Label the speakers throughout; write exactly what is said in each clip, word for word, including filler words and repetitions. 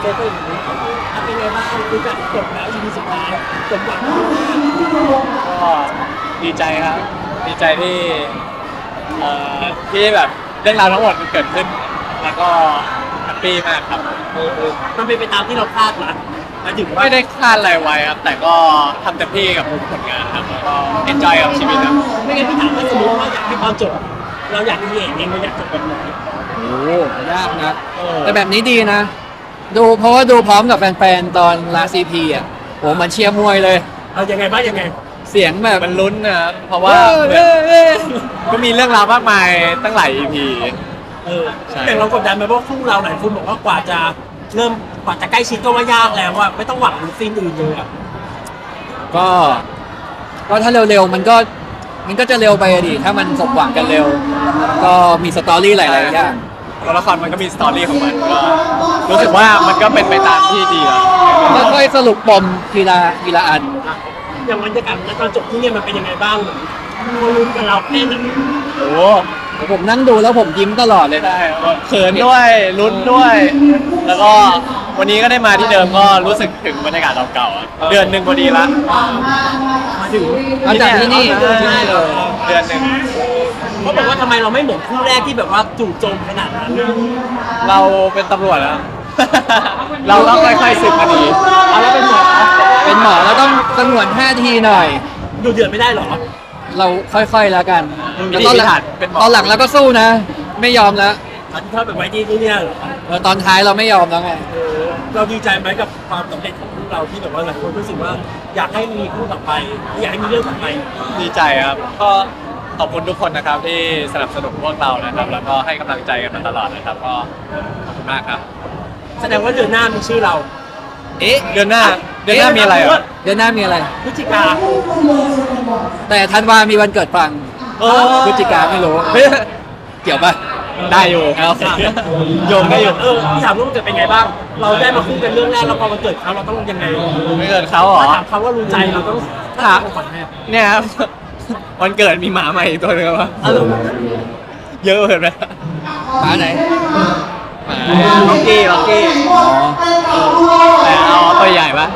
Speaker 1: ฟก็อย่างนี้เป็นไงบ้างคือจะจบแล้วอีพีสุดท้ายจบหวัง
Speaker 2: ก็ดีใจครับดีใจที่เอ่อที่แบบเรื่องราวทั้งหมดมันเกิดขึ้นแล้วก็แฮปปี้มากครับ
Speaker 1: มันเป็นไปตามที่เราคาดหวังมาถึงว่า
Speaker 2: ไม่ได้คาดอะไรไว้ครับแต่ก็ทำเต็มที่กับทุกผลงานครับแล้วก็เอนจอยกับชีวิตครับ
Speaker 1: ไม่งั้นพี่ถามว่าสมมติว่าอยากให้ตอนจบเราอยากที่เองเองเราอยากจบแบบไหน
Speaker 3: โอ้ยากนะแต่แบบนี้ดีนะ ดูเพราะว่าดูพร้อมกับแฟนๆตอนลาซีพีอ่ะโหมันเชียร์มวยเลย
Speaker 1: เอายังไงบ้างยังไง
Speaker 3: เสียงแบบ
Speaker 2: มันลุ้นนะครับเพราะว่า
Speaker 3: เอ้ยเอ้ย
Speaker 2: ก็มีเรื่องราวมากมายตั้งหลาย อี พี
Speaker 1: เออ
Speaker 2: ใช่
Speaker 1: แต่เรากดดันไหมเพราะคู่เราหลายคนบอกว่ากว่าจะเริ่มกว่าจะใกล้ชิดก็ว่ายากแล้วว่าไม่ต้องหวังซีนอื่นเลยอะ
Speaker 3: ก็ก็ถ้าเร็วๆมันก็มันก็จะเร็วไปอะดิถ้ามันสมหวังกันเร็ว ก็มีสตอรี่หลายๆอย่าง
Speaker 2: ตัวละครมันก็มีสตอรี่ของมันก็รู้สึกว่ามันก็เป็นไปตามที่ดีแล้ว
Speaker 3: ค่อยๆสรุปปมทีละทีละอัน
Speaker 1: อย่างบรรยากาศตอนจบที่เนี่ยมันเป็นยังไงบ้างคนลุ้นกับเราแค่นั้น
Speaker 2: โอ้
Speaker 3: ผมนั่งดูแล้วผมยิ้มตลอดเลยนะ
Speaker 2: ได้เขินด้วยลุ้นด้วย แล้วก็วันนี้ก็ได้มาที่เดิมก็รู้สึกถึงบรรยากาศเก่าๆอะเดือนหนึ่งพอดีละ
Speaker 1: มาถึง
Speaker 3: เอาจากที่นี่
Speaker 2: เดือน
Speaker 3: ที่นี่เลย
Speaker 2: เดือนหนึ่ง
Speaker 1: เขาบอกว่าทำไมเราไม่เหมือนคู่แรกที่แบบว่าจู่โจมขนาดนั้น
Speaker 2: เราเป็นตำรวจแล้ว เราต้องค่อยๆสืบคดี
Speaker 1: เอาแล้วเป็นหมอ
Speaker 3: เป็นหมอแล้วต้องสงวนท่าทีหน่อย
Speaker 1: ดูเดือดไม่ได้หรอ
Speaker 3: เราค่อยๆแล้วกัน
Speaker 2: วิ
Speaker 3: แล้ว
Speaker 2: ธี
Speaker 3: ตอนห
Speaker 2: พิ
Speaker 3: ลั
Speaker 2: ถั
Speaker 3: ง
Speaker 2: นเป็นหมอ
Speaker 3: ตอนหลังเราก็สู้นะ ไม่ยอมแล้ว
Speaker 1: อันที่ชอบแบบไว้ที่นี่เนี่ยเหรอ
Speaker 3: เออตอนท้ายเราไม่ยอมแล้วไง
Speaker 1: เออเราดีใจไหมกับความสำเร็จของพวกเราที่แบบว่าหลายคนรู้สึกว่าอยากให้มีคู่ต่อไปอยากให้มีเรื่องต่อไป
Speaker 2: ดีใจครับ ก็ขอบคุณทุกคนนะครับที่สนับสนุนพวกเรานะครับ แล้วก็ให้กำลังใจกันมาตลอดนะครับ ก็ขอบคุณมากครับ
Speaker 1: แสดงว่าเดือนหน้ามีชื่อเรา
Speaker 3: เอ๊ะ
Speaker 2: เดือนหน้า เดือนหน้ามีอะไรอ่ะ
Speaker 3: เดือนหน้ามีอะไร
Speaker 1: พฤศจิกา
Speaker 3: แต่ธันวามีวันเกิดฟัง
Speaker 2: เออ
Speaker 3: พฤศจิกาไม่รู้
Speaker 2: เฮ้ย
Speaker 3: เกี่ยวปะ
Speaker 2: ได้อยู่
Speaker 3: เอา
Speaker 2: โยงได้อยู่
Speaker 1: เออพี่ถามว่ามันเกิดเป็นไงบ้าง เราได้มาคู่กันเรื่องแรกแล้วพอมันเกิดเขาเราต้องยังไง
Speaker 2: ไม่เกิดเขาเหรอ
Speaker 1: ถ้าถามเขาว่ารู้ใจเราต้อง
Speaker 2: ถาม
Speaker 1: ก่อนแม่
Speaker 2: เนี่ยครับ วันเกิดมีหมาใหม่อีกตัวหนึงวะ
Speaker 1: เออ
Speaker 2: เยอะเกินไป
Speaker 3: หมาไหน
Speaker 2: ล็อกกี้ล็อกกี้
Speaker 3: อ๋อ
Speaker 2: แต่เอาตัวใหญ่ปะ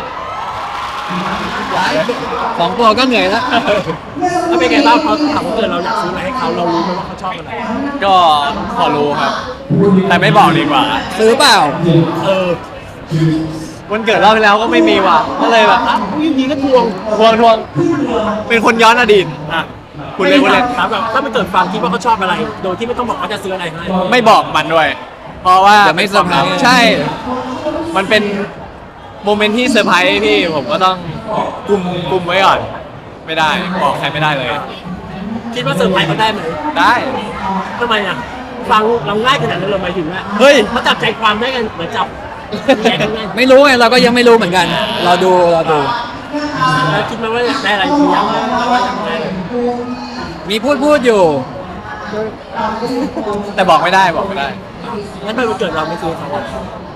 Speaker 3: สองตัวก็เหนื่อยแล้ว
Speaker 1: แล้วเป็นไงบ้างพอถามว่าเกิดเราอยากซื้ออะไรให้เขาเรารู้ไหมว่าเขาชอบอะไร
Speaker 2: ก็พอรู้ครับ แต่ไม่บอกดีกว่า
Speaker 3: ซื้อเปล่า
Speaker 1: เออ
Speaker 2: วันเกิดรอบที่แล้วก็ไม่มีว่ะก็เลยแบบ
Speaker 1: อ่ะอยิงก็ทวง
Speaker 2: ทวงทวงเป็นคนย้อนอดีต
Speaker 1: อ่ะ
Speaker 2: คุณเล่นคุณเล่น
Speaker 1: ถามแบบถ้ามันเกิดฟังคิดว่าเขาชอบอะไร โดยที่ไม่ต้องบอกว่าจะซื้ออะไรให้
Speaker 2: ไม่บอกมันด้วย เพราะว่า
Speaker 3: เดี๋ยวไม่เซอร์ไพรส์
Speaker 2: ใช่ มันเป็นโมเมนต์ที่เซอร์ไพรส์พี่ผมก็ต้องกุมกุมไว้ก่อน ไม่ได้บอกใครไม่ได้เลย
Speaker 1: คิดว่าเซอร์ไพรส์เขาได้ไหม
Speaker 2: ได้
Speaker 1: ทำไมอ่ะฟังเราง่ายขนาดนั้นเลยหมายถึงว่า
Speaker 2: เฮ้ย
Speaker 1: เขาจับใจความได้กันเหมือนจับแย่กันไง
Speaker 3: ไม่รู้ไงเราก็ยังไม่รู้เหมือนกัน เราดูเราดู
Speaker 1: แล้วคิดไหมว่าอยากได้อะไรหรือยังว่าอยากได้อะไร
Speaker 3: มีพูดพูดอยู่
Speaker 2: แต่บอกไม่ได้บอกไม่ได้
Speaker 1: งั้นทำไมวันเกิดเราไม่ซื้อเขาอ่ะ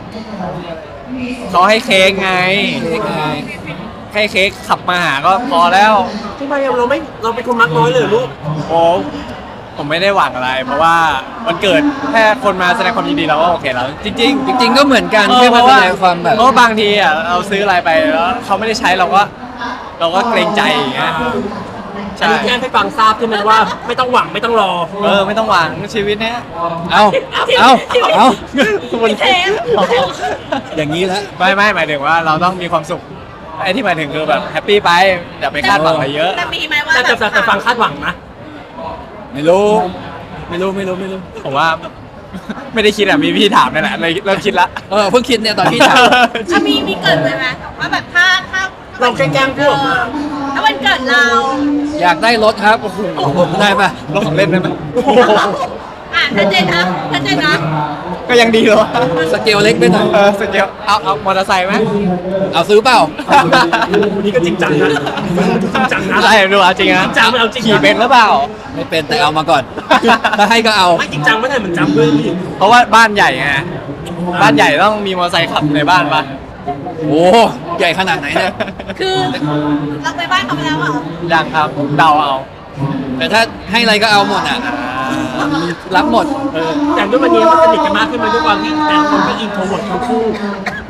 Speaker 2: เขาให้เค้กไง
Speaker 3: เค้กไง
Speaker 2: ให้เค้กขับมาหาก็พอแล้ว
Speaker 1: ทำไมเราไม่เราเป็นคนมักน้อยเลยเหรอลูก
Speaker 2: โอ้ผมไม่ได้หวังอะไร เพราะว่าวันเกิดแค่คนมาแสดงความยินดีเราก็โอเคแล้ว จริงๆ
Speaker 3: จริง ๆ ก็เหมือนกัน
Speaker 2: เออ
Speaker 3: แค่
Speaker 2: เพ
Speaker 3: มา
Speaker 2: ราะ
Speaker 3: แส
Speaker 2: ว่า
Speaker 3: ดงความแบบ
Speaker 2: เพราะว่าบางทีอ่ะเราซื้ออะไรไปแล้วเขาไม่ได้ใช้เราก็ เราก็เกรงใจอย่างเงี้ย
Speaker 1: อัน
Speaker 2: ใช่
Speaker 1: นี้แจ้งให้ฟังทราบใช่ไหมว่า ไม่ต้องหวังไม่ต้องรอ
Speaker 2: เออไม่ต้องหวังชีวิตเนี้ย
Speaker 3: เอาเอาเอา
Speaker 2: มัน
Speaker 3: อย่างนี้แล้ว
Speaker 2: ไม่ไม่หมายถึงว่าเราต้องมีความสุขไอ้ที่หมายถึงคือแบบแฮปปี้ไปอย่าไปคาดหวังอะไรเยอะ
Speaker 4: แต่มีไหมว่า
Speaker 1: แต่
Speaker 4: แบ
Speaker 1: แต่
Speaker 4: บ
Speaker 1: แต่ฟังคาดหวังนะ
Speaker 3: ไม่รู้ ไม่รู้ไม่รู้ไม่รู้
Speaker 2: ผมว่า ไม่ได้คิดอ่ะมีพี่ถามนั่นแหละเลยเริ่มคิดละ
Speaker 3: เออเพิ่งคิดเนี่ยตอนพี่ถาม
Speaker 4: ถ้ามีมีเกิดไว้ไหมว่าแบบถ้าถ้า
Speaker 1: เราแกล้งๆพูดออกมา
Speaker 4: ถ้าวันเกิดเรา
Speaker 3: อยากได้รถครับโอ้โหได้ปะ
Speaker 2: ลองของเล่นได้ไหม
Speaker 4: อ่ะชัดเจนนะชัดเจนนะ
Speaker 2: ก็ยังดีเลย
Speaker 3: สเกลเล็กไปหน่อย
Speaker 2: เออสเกลเอาเอามอเตอร์ไซค์ไหม
Speaker 3: เอาซื้อเปล่า
Speaker 1: วันนี้ก็จริงจังนะจริงจังนะ
Speaker 2: ใช่ดูเอาจริงนะ
Speaker 1: จริงจังไม่เอาจริงนะ
Speaker 2: ขี่เป็นหรือเปล่า
Speaker 3: ไม่เป็นแต่เอามาก่อน ถ้าให้ก็เอา
Speaker 1: ไม่จริงจังไม่ได้เหมือนจำด้วยพี่
Speaker 2: เพราะว่าบ้านใหญ่ไงบ้านใหญ่ต้องมีมอเตอร์ไซค์ขับในบ้านปะ
Speaker 3: โอ้ใหญ่ขนาดไหนเนี่ย
Speaker 4: คือเราไปบ้านเขาไปแล้วเหรอ
Speaker 2: ยังครับเดาเอา
Speaker 3: แต่ถ้าให้อะไรก็เอาหมดอ่ะ รับหมด
Speaker 1: เออแต่ด้วยวันนี้มันสนิทกันมากขึ้นมาด้วยความที่แต่ละคนก็อินโทรเวิร์ดทั้งคู่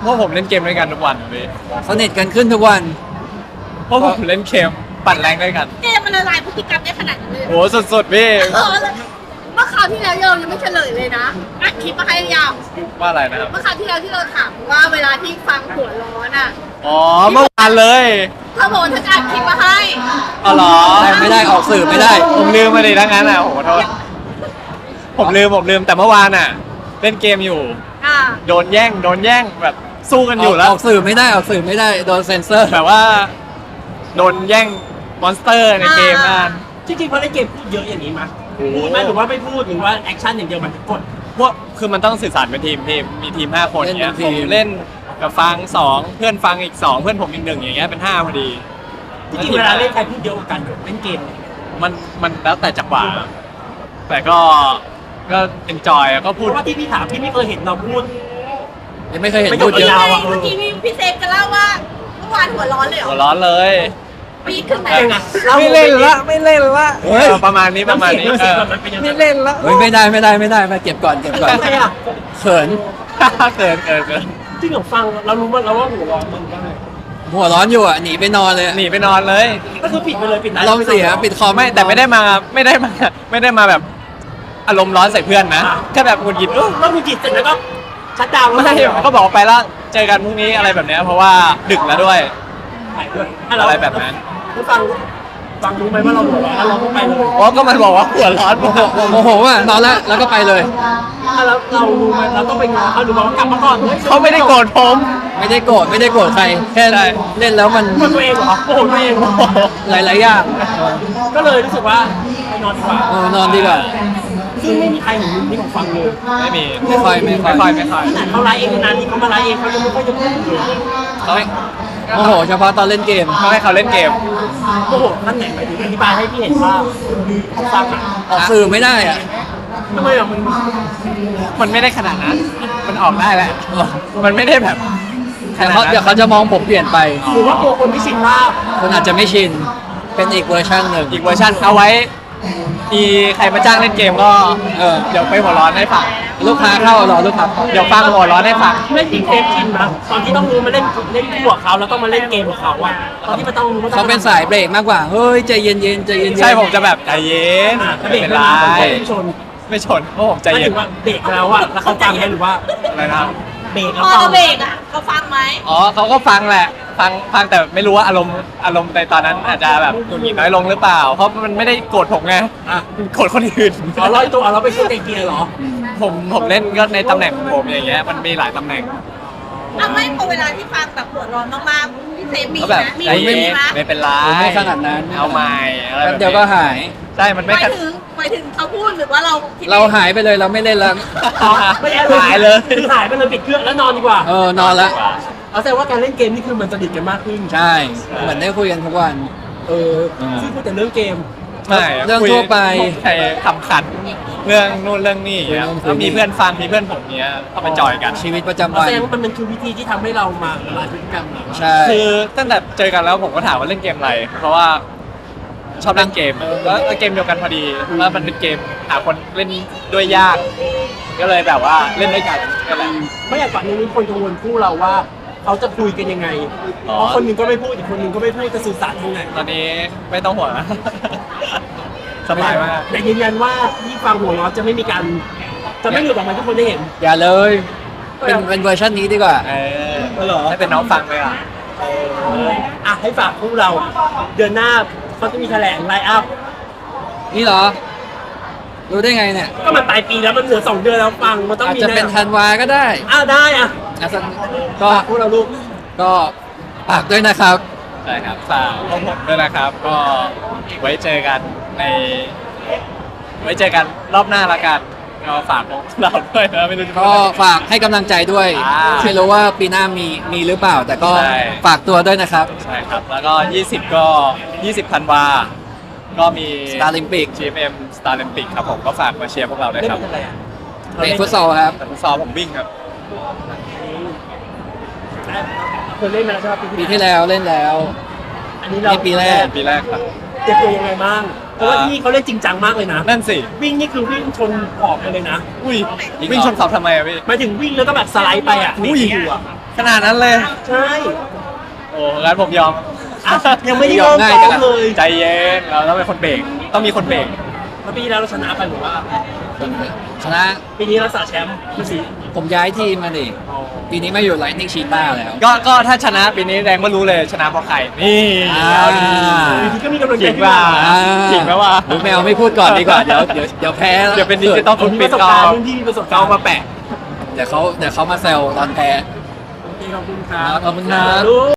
Speaker 2: ราะผมเล่นเกมด้วยกันทุกวันพี่
Speaker 3: สนิทกันขึ้นทุกวัน
Speaker 2: เพราะผมเล่นเกมปั่นแรงด้วยกัน
Speaker 4: เกมมันละลายพฤติกรรมได้ขนาดนั้นเลย
Speaker 2: โอ้สุดๆพี่
Speaker 4: เออเมื่อคราวที่แล้วเรายังไม่เฉลยเลยนะอัดคลิปมาให้ยาว
Speaker 2: ว่าอะไรนะครับ
Speaker 4: เมื่อคราวที่แล้วที่เราถามว่าเวลาที่ฟังหัวร้อนอ่ะ
Speaker 2: อ๋อเมื่อวานเลย
Speaker 4: ถ้าบอกว่าถ้าจะอัดคลิปมาให้
Speaker 2: อ๋อเหรอ
Speaker 3: แต่ไม่ได้ออกสื่อไม่ได้
Speaker 2: ผมลืมมาดิทั้งนั้นอ่ะโอ้โหโทษผมลืมผมลืมแต่เมื่อวานอ่ะ เล่นเกมอยู่
Speaker 4: อ่า
Speaker 2: โดนแย่งโดนแย่งแบบสู้กันอยู่แล้ว
Speaker 3: ออกสื่อไม่ได้ออกสื่อไม่ได้โดนเซ็นเซอร์
Speaker 2: แบบว่าโดนแย่งมอนสเตอร์ในเกมนั่น
Speaker 1: จริงๆพอเล่นเกมพูดเยอะอย่างนี้มั้ยพูดไหมหรือว่าไม่พูดหรือว่าแอคชั่นอย่างเดียวมันกด
Speaker 2: พวกคือมันต้องสื่อสารเป็นทีมทีมมีทีมห้าคนอย่างเงี้ยผมเล่นกับฟังสองเพื่อนฟังอีกสองเพื่อนผมอีกหนึ่งอย่างเงี้ยเป็นห้าพอดี
Speaker 1: จริงๆเวลาเล่นใครพูดเยอะกว่ากันเล่นเกม
Speaker 2: มันมันแล้วแต่จังหวะแต่ก็ก็เอนจอยก็
Speaker 1: เพ
Speaker 2: พูด
Speaker 1: ราะว่าที่พี่ถามพี่ไม่เคยเห็นเราพูด
Speaker 3: ยังไม่เคยเห็น
Speaker 1: ไม่
Speaker 3: พูดเยอะ
Speaker 1: ยาวอะ
Speaker 4: เมื่อกี้พี่พี่เซฟจะเล่าว่าเมื่อวานหัวร้อนเลยเหร
Speaker 2: หั
Speaker 4: อ
Speaker 2: วร้อนเลย
Speaker 4: ปีดขึ้นไหน
Speaker 1: ยังไง
Speaker 2: ไม่เล่นละไม่เล่นละ
Speaker 3: เฮ้ย
Speaker 2: เออประมาณนี้ประมาณนี้
Speaker 1: น้ำ
Speaker 2: เอ
Speaker 1: เสียง
Speaker 2: อ
Speaker 1: มันเป็นยังไง
Speaker 2: ไม่เล่นละ
Speaker 3: เฮ้ยไม่ได้ไม่ได้ไม่ได้มาเก็บก่อนเก็บก่อน
Speaker 1: ทำไมอ่ะ
Speaker 3: เขิน
Speaker 2: เกินเกินเกิน
Speaker 1: จริงเหรอฟังเรารู้ว่าเราว่าหัวร้อนมึงได้
Speaker 3: หัวร้อนอยู่อ่ะหนีไปนอนเลยอะ
Speaker 2: หนีไปนอนเลย
Speaker 1: ก็คือปิดไปเลยปิด
Speaker 3: ลองเสียปิดคอม
Speaker 2: ไม่แต่ไม่ได้มาไม่ได้มาไม่ได้มาแบบอารมณ์ร้อนใส่เพื่อนนะแค่แบบหงุดหงิดเออ
Speaker 1: แล้วมึงจิตเสร็จแล้วก็ชัดดาวน์
Speaker 2: ไม่ใช่ก็บอกไปแล้วเจอกันพรุ่งนี้อะไรแบบเนี้ยเพราะว่าดึกแล้วด้วย
Speaker 1: ถ่ายด้วย
Speaker 2: อะไรแบบนั้น
Speaker 1: ผู้ฟังฟังรู้ไหมว่าเราหัวร้อนแล้วเราก็ไปเลย
Speaker 2: เพราะก็มันบอกว่าหัวร้อน
Speaker 3: โมโหโมโหอ่ะนอนแล้วแล้วก็ไปเลย
Speaker 1: ถ้าเราเรารู้ไหมเราต้องไปงอเขาหรือว่ากลับมาก่อนฮ้ย
Speaker 2: เขาไม่ได้โกรธผม
Speaker 3: ไม่ได้โกรธไม่ได้โกรธใครแค่
Speaker 2: ใช่
Speaker 3: เล่นแล้วมัน
Speaker 1: โกรธตัวเองเหรอโกรธตัวเองเหรอ
Speaker 3: หลายๆอย่าง
Speaker 1: ก็เลยรู้สึกว่าไปนอนดีกว่า
Speaker 3: เออนอนดีกว่า
Speaker 1: ซึ่งไม่มีใครเห็นมุมนี้ของฟังเลย
Speaker 2: ไม่มี
Speaker 3: ไม่ค่อยไม่ค่อย
Speaker 2: ไม่ค่อยไม่ค่อย
Speaker 1: ขนาดเขาไลฟ์เองนานๆที่เขามาไลฟ์เองเขายังไม่ค่อยจะพูดเลย
Speaker 2: เขาให้
Speaker 3: โมโหเฉพาะตอนเล่นเกม
Speaker 2: เขาให้เขาเล่นเกม
Speaker 1: โอ้โหท่านไหนหมายถึงอธิบายให้พี่เห็นว่าเขาฟังอ่ะ
Speaker 3: ออกสื่อไม่ได้อ่ะ
Speaker 1: ทำไมอ่ะมัน
Speaker 2: มันไม่ได้ขนาดนั้น มันออกได้แหละ มันไม่ได้แบบข
Speaker 3: เดี๋ยว
Speaker 2: นาด
Speaker 3: เขา
Speaker 2: นั้น
Speaker 3: เดี๋ยวเขาจะมองผมเปลี่ยนไป
Speaker 1: หรือว่าตัวคนที่ชินภาพ
Speaker 3: คนอาจจะไม่ชินเป็นอีกเวอร์ชันหนึ่ง
Speaker 2: อีกเวอร์ชันเอาไว้มีใครมาจ้างเล่นเกมก็
Speaker 3: เออ
Speaker 2: เดี๋ยวไปหัวร้อนให้ฟัง
Speaker 3: ลูกค้าเข้ารอลูกค้าเข้า
Speaker 2: เดี๋ยวฟังหัวร้อนให้ฟัง
Speaker 1: เล่นจริงเทปชินนะตอนที่ต้องรู้มาเล่นเล่นคู่กับเขาแล้วต้องมาเล่นเกมกับเขาอ่ะตอนที่มันต้องรู้ว่
Speaker 3: เขาเป็นสายเบรกมากกว่าเฮ้ยใจเย็นๆใจเย็นๆ
Speaker 2: ใช่ผมจะแบบใจเย็น
Speaker 1: อ่ะถ้า
Speaker 2: ไม่
Speaker 1: เบรก
Speaker 2: เป็น
Speaker 1: ไม่
Speaker 2: ไร
Speaker 1: มาผมไม่ชน
Speaker 2: ไม่ชนเพราะผมใจ
Speaker 1: หมาย
Speaker 2: เย็
Speaker 1: ถึ
Speaker 2: น
Speaker 1: งว่าเบรกแล้วอ่ะแล้วเขาฟังไหมหรือว่า
Speaker 2: อะไรนะครับ
Speaker 1: เบรก
Speaker 4: พ
Speaker 1: แล้ว
Speaker 4: อ
Speaker 1: ฟัง
Speaker 4: เราเบรกอ่ะเขาฟังไหม
Speaker 2: อ๋อเขาก็ฟังแหละ ฟังฟังแต่ไม่รู้ว่าอารมณ์อารมณ์ในตอนนั้นอาจจะแบบหงุดหงิดน้อยลงหรือเปล่า เพราะมันไม่ได้โกรธผมไง
Speaker 1: อ่ะ
Speaker 2: มันโกรธคนอื่น
Speaker 1: เอาร้อยตัวเอาเราไปช่วยเตะเกียร์เหรอ
Speaker 2: ผมผมเล่นก็ในตำแหน่งของผมอย่างเงี้ยมันมีหลายตำแหน่ง
Speaker 4: อ่ะไม่พอเวลาที่ฟังแบบหัวร้อนมากๆพี่เซฟมี
Speaker 2: ก็แบบ
Speaker 4: นะมี
Speaker 2: ใจ
Speaker 4: มี
Speaker 2: เย็น
Speaker 4: ไหม
Speaker 2: ไม่เป็นไร
Speaker 3: ไม่ขนาดนั้น
Speaker 2: เอาใหม่อะไร
Speaker 3: แป๊
Speaker 2: แบบ บ
Speaker 3: เดียวก็หาย
Speaker 2: ใช่มัน
Speaker 4: ห
Speaker 2: ไม่
Speaker 4: มาย
Speaker 2: ขนาด
Speaker 4: ถึงหมายถึงเขาพูดหรือว่าเราคิด
Speaker 3: เราหายไปเลยเราไม่เล่นแล้ว
Speaker 1: ไม่ได้
Speaker 2: หายเลย
Speaker 1: คือหายไปเลยปิดเครื่องแล้วนอนดีกว่า
Speaker 3: เออนอนละ
Speaker 1: เอาแสดงว่าการเล่นเกมนี่คือมันสนิทกันมากขึ้น
Speaker 3: ใช่ เหมือนได้คุยกันทุกวัน
Speaker 1: เออซึ่งพูดแต่เรื่องเกม
Speaker 2: ไม่
Speaker 3: เรื่อง
Speaker 2: คุย
Speaker 3: ทั่วไป
Speaker 2: ใช่คำขันเรื่องนู่นเรื่องนี่อย่างเงี้ย
Speaker 3: เรื่องคุย
Speaker 2: แล้วมีเพื่อนฟังมีเพื่อนผมเนี้ยเข้าไปจอยกัน
Speaker 3: ชีวิตประจำ
Speaker 1: เอา
Speaker 3: วัน
Speaker 1: แสดงว่ามันเป็นคือวิธีที่ทำให้เรามาละลายพฤติกรรมเรา
Speaker 3: ใช่
Speaker 2: คือตั้งแต่เจอกันแล้วผมก็ถามว่าเล่นเกมอะไร เพราะว่าชอบเล่นเกมแล้วเกมเดียวกันพอดีแล้วมันเป็นเกมหาคนเล่นด้วยยาก ก็เลยแบบว่าเล่นด้วยกันก็แหละ
Speaker 1: ไม่อยากฝันนี้มีคนกังวลคู่เราว่าเขาจะคุยกันยังไง
Speaker 2: อ๋อ
Speaker 1: เพราะคนหนึ่งก็ไม่พูดอีกคนหนึ่งก็ไม่พูดจะสื่อสารยังไง
Speaker 2: ตอนนี้ไม่ต้องห่วง สบายมาก
Speaker 1: แต่ยืนยันว่าที่ฟังหัวเราะจะไม่มีการจะไม่หลุดออกมาให้ทุกคนได้เห็น
Speaker 3: อย่าเลย เป็นเป็นเวอร์ชันนี้ดีกว่า
Speaker 2: เออ
Speaker 1: เออเหรอ
Speaker 2: ให้เป็นน้องฟังเลยอ่ะ
Speaker 1: เอออ่ะให้ฝากคู่เรา เดือนหน้าเขาจะมีแถลงไลน์อัพ
Speaker 3: นี่เหรอ รู้ได้ไงเนี่ย
Speaker 1: ก็มันปลายปีแล้วมันเหลือสองเดือนแล้วฟังมันต้อง
Speaker 3: อาจ
Speaker 1: มี
Speaker 3: จะเป็น
Speaker 1: แน่
Speaker 3: ธันวาก็ได้
Speaker 1: อ้าวได้อ่ะ
Speaker 3: อ่ะสักก็
Speaker 1: ฝากคู่เราลูก
Speaker 3: ก็ฝากด้วยนะครับ
Speaker 2: ใช่ครับฝากพวกผมด้วยนะครับ ก็ไว้เจอกันใน ไว้เจอกันรอบหน้าละกันก็ฝากพวกเราด้วยนะไม่รู้จะพูด
Speaker 3: ก็
Speaker 2: อะไร
Speaker 3: ฝากให้กำลังใจด้วย
Speaker 2: อ่า
Speaker 3: ไม่รู้ว่าปีหน้ามีมีหรือเปล่า แต่ก็
Speaker 2: ใช่
Speaker 3: ฝากตัวด้วยนะครับ
Speaker 2: ใช่ครับ แล้วก็ ยี่สิบ ก็ ยี่สิบธันวา ก็มี
Speaker 3: Starlympic
Speaker 2: จี เอ็ม เอ็ม Starlympic ครับผมก็ฝากมาเชียร์พวกเราด้วย
Speaker 1: เล่น
Speaker 2: ครับ
Speaker 1: เป็นอะไรอ่ะ
Speaker 3: เตะฟุตซอลครับ
Speaker 2: แต่ฟุตซอลผมวิ่งครับ
Speaker 1: เคยเล่นมาแล้วใช่ไหม
Speaker 3: ปีที่แล้วเล่นแล้ว
Speaker 1: อันนี้เรา
Speaker 3: นี่ปีแรก
Speaker 2: ปีแรกครับ
Speaker 1: เตรียมตัวยังไงบ้างเพราะว่าที่นี่เขาเล่นจริงจังมากเลยนะ
Speaker 2: นั่นสิ
Speaker 1: วิ่งนี่คือวิ่งชนขอบไปเลยนะ
Speaker 2: อุ้ยวิ่งชนเสาทำไมอะพี่
Speaker 1: หมายถึงวิ่งแล้วก็แบบสไลด์ไปอ่ะ
Speaker 2: อุ้ย
Speaker 1: อยู่อ่ะ
Speaker 2: ขนาดนั้นเลย
Speaker 1: ใช่
Speaker 2: โอ้งั้นผมยอม
Speaker 1: อ่ะยังไม่ได้เริ่มซ้อมเลย
Speaker 2: ใจเย็นเราต้องเป็นคนเบรกต้องมีคนเบรก
Speaker 1: แล้วปีที่แล้วเราชนะไปหรือว่า
Speaker 3: ชนะ
Speaker 1: ปีนี้เราสาแชมป์คือสี
Speaker 3: ผมย้ายทีมมาดิปีนี้มาอยู่ไลท์นิ่งชีต้าแล้ว
Speaker 2: ก็ก็ถ้าชนะปีนี้แดงก็รู้เลยชนะเพราะใครนี่
Speaker 3: อ่า
Speaker 2: เอาดี
Speaker 1: ปีนี้ก็มีกำลังใจ
Speaker 2: จริง
Speaker 1: ขึ้น
Speaker 2: ว่า
Speaker 1: มา
Speaker 3: อ่า
Speaker 2: จริงไหมวะ
Speaker 3: รู้แมวไม่พูดก่อนดีกว่า เดี๋ยวเดี๋ยวเดี๋ยวแพ้แล้ว
Speaker 2: เดี๋ยวเป็นดิจิตอล
Speaker 1: ผ
Speaker 2: ฟุ
Speaker 1: ม
Speaker 2: ต
Speaker 1: มี
Speaker 2: ปิ
Speaker 1: ป
Speaker 2: ด
Speaker 1: ระสบ
Speaker 2: เอา
Speaker 1: การณ์รุ่นพี่มีประสบการ
Speaker 2: เอา
Speaker 1: ณ์
Speaker 2: มาแปะ
Speaker 3: เดี๋ยวเขาเดี๋ยวเขามาแซวตอนแพ้
Speaker 1: ขอบคุณครับ
Speaker 3: ขอบคุณครับ